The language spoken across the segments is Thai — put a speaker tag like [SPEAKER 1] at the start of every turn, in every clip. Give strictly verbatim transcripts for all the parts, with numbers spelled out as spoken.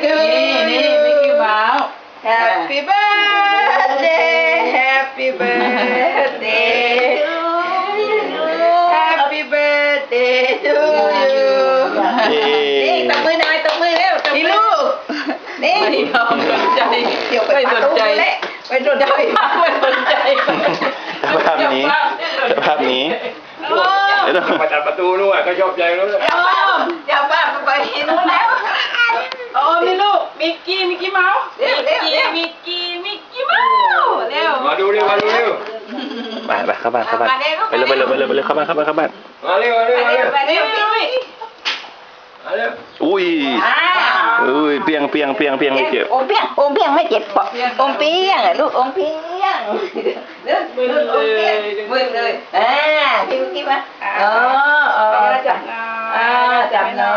[SPEAKER 1] to
[SPEAKER 2] นี่
[SPEAKER 1] you
[SPEAKER 2] นี่มิกกี้เมาส์
[SPEAKER 1] Happy birthday Happy birthday Happy birthday to you นี่ตบมือหน่อยตบมือเร็วตบมือนี่ลูกนี่
[SPEAKER 2] ไม่ยอมสนใจ
[SPEAKER 1] เดี๋ยวไป
[SPEAKER 2] ไม่สนใจ
[SPEAKER 1] เละไปสนใจ
[SPEAKER 2] ไม่สนใจ
[SPEAKER 3] ภาพนี้ภาพนี้
[SPEAKER 2] โอ้
[SPEAKER 3] เดี๋ยว
[SPEAKER 4] มาจัดประตูนู่นก็ชอบใจนู้น
[SPEAKER 1] อย่าบ้าอย่าบ้าไปนู้นแล้ว
[SPEAKER 2] โอ้มีลูกมิกกี้มิกกี้เมาส์
[SPEAKER 1] เร็วเร็วเร็ว
[SPEAKER 2] มิกกี้มิกกี้เมาส์เร็ว
[SPEAKER 4] มาดูเร็วมาดูเร็ว
[SPEAKER 3] ไปไปเข้าบ้านเข้าบ้านไปเลยไปเลยไปเลยไปเลยเข้าบ้านเข้าบ้านเข้าบ้าน
[SPEAKER 4] มาเร็วมาเร็วมาเร็ว
[SPEAKER 1] ไปเร็วไปเร็ว
[SPEAKER 4] มาเร็ว
[SPEAKER 3] อุ้ย
[SPEAKER 1] อ่า
[SPEAKER 3] อุ้ยเปียงเปียงเปียงเปียงไม่เจ็บ
[SPEAKER 1] อมเปียงอมเปียงไม่เจ็บปะอมเปียงอะลูกอมเปียงเรื่อง
[SPEAKER 2] มึน
[SPEAKER 1] เรื่อง
[SPEAKER 2] เล
[SPEAKER 1] อมเปียง
[SPEAKER 2] ย
[SPEAKER 1] มึนเลยอ่าพี่ลูกกี้มาอ๋ออ๋อจับอ่าจับหน่อย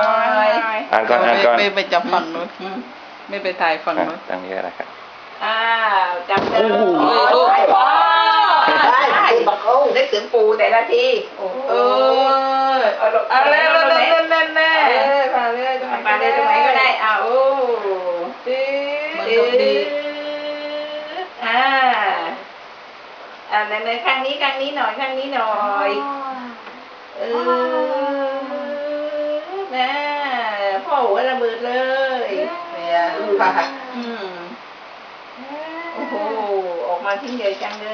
[SPEAKER 3] อ่านก่อนอ่านก่อน
[SPEAKER 2] ไม่ไปจับฝั่งนู้นไม่ไปถ่ายฝั่ง
[SPEAKER 3] อ่ะ
[SPEAKER 2] นู้น
[SPEAKER 3] ตั้งนี้อะไรครับ
[SPEAKER 1] อ่าจับเลย
[SPEAKER 3] โอ้โห
[SPEAKER 1] ลูกพ่อได้บักโอ้ได้ถึงปูแต่ละทีโอ้
[SPEAKER 2] เออเอาเลยเอาเลยเล่นเล่นแน่
[SPEAKER 1] เออมาเลยตรงไหนมาเลยตรงไหนก็ได้อ่าโอ้
[SPEAKER 2] ดี
[SPEAKER 1] ดื้ออ่าอ่าในข้างนี้ข้างนี้หน่อยข้างนี้หน่อยเออแม่พ่อหัวระเบิดเลยเนี่ยค่ะอืมโอ้โหออกมาทิ้งใหญ่จังเลย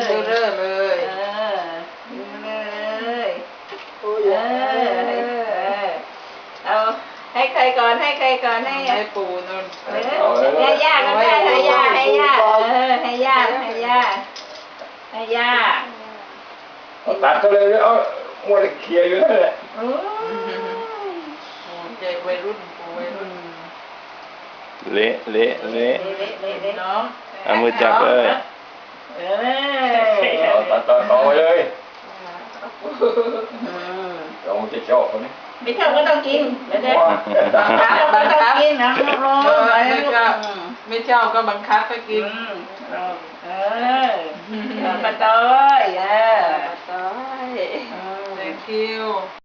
[SPEAKER 2] เรื่อยเลย
[SPEAKER 1] เออดูเลยเออเอาให้ใครก่อนให้ใครก่อนให้
[SPEAKER 2] ให้ปูนู่น
[SPEAKER 1] เออให้ย่าก็ได้ให้ย่าให้ย่าเออให้ย่าให้ย่าให้ย่า
[SPEAKER 4] ตัดเขาเลยเอามัวแต่เคลียร์อยู่นั่นแหละ
[SPEAKER 1] โอ้ย
[SPEAKER 2] ใจวัยรุ่นปูวัยรุ่น
[SPEAKER 3] เละเละเละ
[SPEAKER 1] เละเละเละ
[SPEAKER 2] น้อง
[SPEAKER 3] เอามือจับเลย
[SPEAKER 1] เอ
[SPEAKER 4] เอา
[SPEAKER 1] อ
[SPEAKER 4] ตัดตัดต่อไปเลย
[SPEAKER 1] อืม
[SPEAKER 4] เราจะชอบคนนี้
[SPEAKER 1] ไม่ชอบก็ต้องกินเดี๋ยวเดี๋ยว
[SPEAKER 4] ว้า
[SPEAKER 1] ขาก็ต้องกินนะร้อน
[SPEAKER 2] เออ
[SPEAKER 1] อะไร
[SPEAKER 2] ไม่
[SPEAKER 1] ลูก
[SPEAKER 2] ก็ไม่เช่าก็บังคับให้กิน
[SPEAKER 1] เออเออปลาต้อยเออ
[SPEAKER 2] ตาย thank you